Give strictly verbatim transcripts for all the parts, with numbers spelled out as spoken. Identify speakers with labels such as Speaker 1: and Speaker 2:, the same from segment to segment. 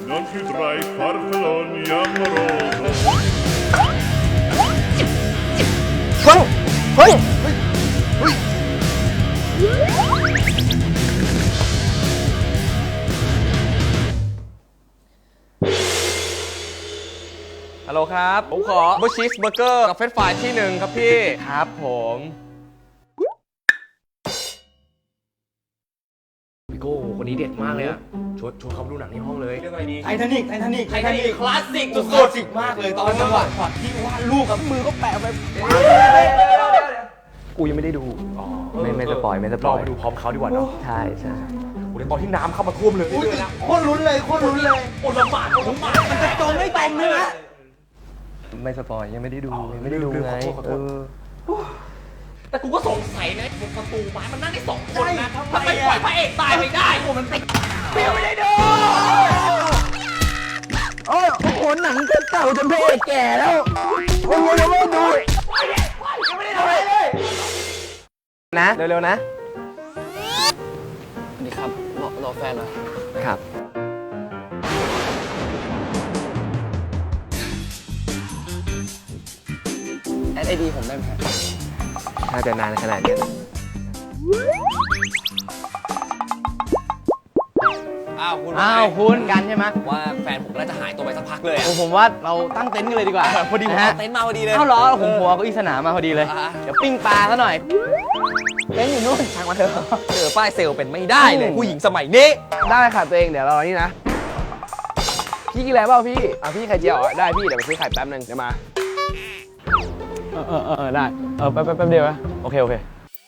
Speaker 1: Non più tra i farfalloni amoroso.
Speaker 2: เฮ้ยเฮ้ยเฮ้ยฮัลโหลครับผมขอบูชีสเบอร์เกอร์กับเฟรนช์ฟรายที่หนึ่งครับพี่ครับผมพี่โก้คนนี้เด็ดมากเลยอะชวนชวนเขาไปดูหนังในห้องเลยเรื่องอะไรดี
Speaker 3: ไททานิกไททานิก
Speaker 2: ไททานิกคลาสสิกสุด
Speaker 3: คลาสสิกมากเลยตอนจังหวะช็อตที่วาดรูปกับมือก็แปะไป
Speaker 2: กูยังไม่ได้ดู
Speaker 4: ไม่ไม่สปอยไม่สป
Speaker 2: ร
Speaker 4: อ
Speaker 2: อย ไปดูพร้อมเขาดีกว่าเนาะ
Speaker 4: ใช่ใช่
Speaker 2: โอ้ยตอนที่น้ำเข้ามาท่วมเลยเลยนะ
Speaker 3: โคตรลุ้นเลยโคตรลุ้นเลย
Speaker 2: โอ้ลำบากลำบากมันจะ
Speaker 3: จมไม่จมเลยนะ
Speaker 4: ไม่สปอยยังไม่ได้ดูยังไม่ได้ดูไงเออ
Speaker 2: แต่กูก็สงสัยนะประตูไม้มันนั่งได้สองคนนะทำไมปล่อยพระเอกตายไปได้โอ้มันติดเปรี้ยวไม่ได้ดู
Speaker 3: โอ้ยโอ้โหหนังก็เก่าจนพระเอกแก่แล้วโอ้ยยังไม่ดู
Speaker 2: ยังไม่ได้ทำอะไรเลย
Speaker 4: นะเร็วๆนะ
Speaker 3: นี่ครับรอรอแฟนเหรอ
Speaker 4: ครับ
Speaker 3: แอดไอดีผมได้ไหมครับ
Speaker 4: ถ้าจะนานขนาดนี้
Speaker 3: อ้าวคุณ
Speaker 2: อ้าวคุณกันใช่ไหม
Speaker 3: ว่าแฟนผมน่าจะหายตัวไปสักพักเลยอะ
Speaker 2: ผมว่าเราตั้งเต็นท์กันเลยดีกว่าพอดีผม
Speaker 3: ฮะ
Speaker 2: เอา
Speaker 3: เต็
Speaker 2: เต็น
Speaker 3: น
Speaker 2: ท์
Speaker 3: ท์มาพอดีเลย
Speaker 2: เอ้าเหรอผมหัวก็อีสนามมาพอดีเลย
Speaker 3: อ่า
Speaker 2: เดี๋ยวปิ้งปลาซะหน่อยเต็นท์อยู่นู่นทางมาเถอะ
Speaker 3: เจอป้ายเซลล์เป็นไม่ได้เลยผู้หญิงสมัยนี้
Speaker 4: ได้ค่ะตัวเองเดี๋ยวรอนี่นะพี่กินอะไรเปล่าพี่อ่ะพี่ไข่เจียวได้พี่เดี๋ยวไปซื้อไข่แป๊บนึงเดี๋ยวมา
Speaker 2: เออเออเออได้เออแป๊บแป๊บเดียวนะโอเคโอเค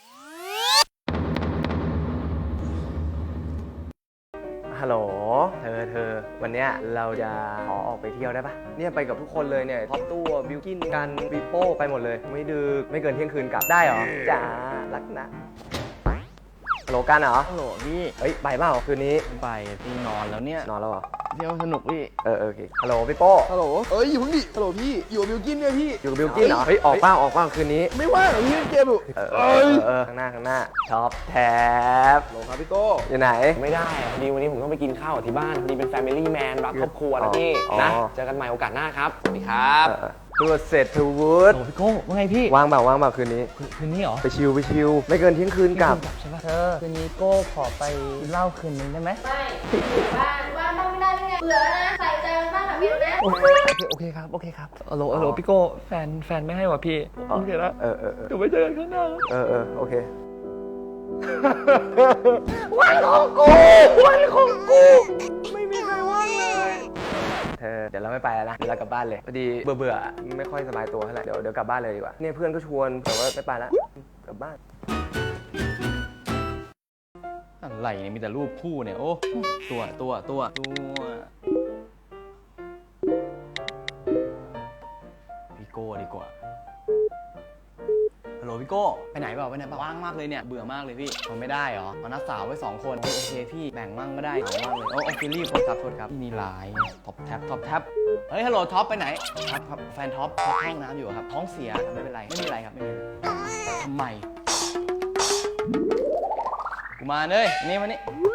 Speaker 4: ฮัลโหลเธอเธอวันเนี้ยเราจะขอออกไปเที่ยวได้ปะเนี่ยไปกับทุกคนเลยเนี่ยท็อปตู้บิวกินกันปีโป้ไปหมดเลยไม่ดึกไม่เกินเที่ยงคืนกลับได้เหรอจ้ารักนะฮัลโหลกันเหรอ
Speaker 2: ฮัลโหลพี่
Speaker 4: เฮ้ยไปเปล่าคืนนี้
Speaker 2: ไปพี่นอนแล้วเนี่ย
Speaker 4: นอนแล้วเหรอ
Speaker 2: เที่ยวสนุกพี่
Speaker 4: เออเออโอเคฮัลโหลพี่โป้
Speaker 5: ฮัลโหลเอ้ยอยู่เพิ่งดิฮัลโหลพี่ อยู่กับบิวกินเนี่ยพี่
Speaker 4: อยู่กับบิวกินเหรอเฮ้ยออกเปล่าออกเปล่าคืนนี้
Speaker 5: ไม่ว่างเหรอพี่เล่นเกมอยู่
Speaker 4: เออเออเออข้างหน้าข้างหน้าท็อปแท็บ
Speaker 5: ฮัลโหลครับพี่โก้
Speaker 4: อยู่ไหน
Speaker 3: ไม่ได้พอดีวันนี้ผมต้องไปกินข้าวที่บ้านพอดีเป็น Family Man รักครอบครัวนะพี่
Speaker 4: อ๋อ
Speaker 3: นะเจอกันใหม่โอกาสหน้าครับสวัสดีครับ
Speaker 4: ตัวเสร็จทูวูด
Speaker 2: โอ้พี่โก้ว่าไงพี่
Speaker 4: ว่างเปล่าว่างเปล่าคืนนี้
Speaker 2: คืนนี้เหรอ
Speaker 4: ไปชิลไปชิลไม่เกินเที่ยงคืนกลับ
Speaker 2: ใช่ป่ะเธอคืนนี้โก้ขอไปเล่าคืนนึงได้ไหม
Speaker 6: ไม่อยู่บ้านบ้านบ้างไม่ได้ไงเบื่อแล้วนะใส่ใจมันบ้างแบบนี้นะ
Speaker 2: โอเคโอเคครับโอเคครับฮัลโหลฮัลโหลพี่โก้แฟนแฟนไม่ให้ว่ะพี่โอเคแล้ว
Speaker 4: เออเออเออ
Speaker 2: เดี๋ยวไปเจอกันข้างหน้า
Speaker 4: เออเออโอเค
Speaker 2: วันของกูวันของกูไม่มีใครว่างเลย
Speaker 4: เธอเดี๋ยวเราไม่ไปแล้วนะเดี๋ยวเรากลับบ้านเลยพอดีเบื่อเบื่อๆไม่ค่อยสบายตัวเท่าไหร่เดี๋ยวเดี๋ยวกลับบ้านเลยดีกว่าเนี่ยเพื่อนก็ชวนแต่ว่าไม่ไปแล้วกลับบ้าน
Speaker 2: อะไรเนี่ยมีแต่รูปคู่เนี่ยโอ้ตัวตัวตัวตัวพี่โก้ดีกว่าฮัลโหลพี่โก้ไปไหนเปล่าไปไหนเปล่าว่างมากเลยเนี่ยเบื่อมากเลยพี่มันไม่ได้เหรอเอานัดสาวไว้สองคนโอเคพี่แบ่งมั่งก็ได้เหงามากเลยโอ้โอเครีบโทษครับโทษครับมีไลน์ท็อปแท็บท็อปแท็บเฮ้ยฮัลโหลท็อปไปไหนครับครับแฟนท็อปท็อปเข้าห้องน้ำอยู่ครับท้องเสียไม่เป็นไรไม่มีอะไรครับไม่มีอะไรทำไมกูมาเลยนี่มานี่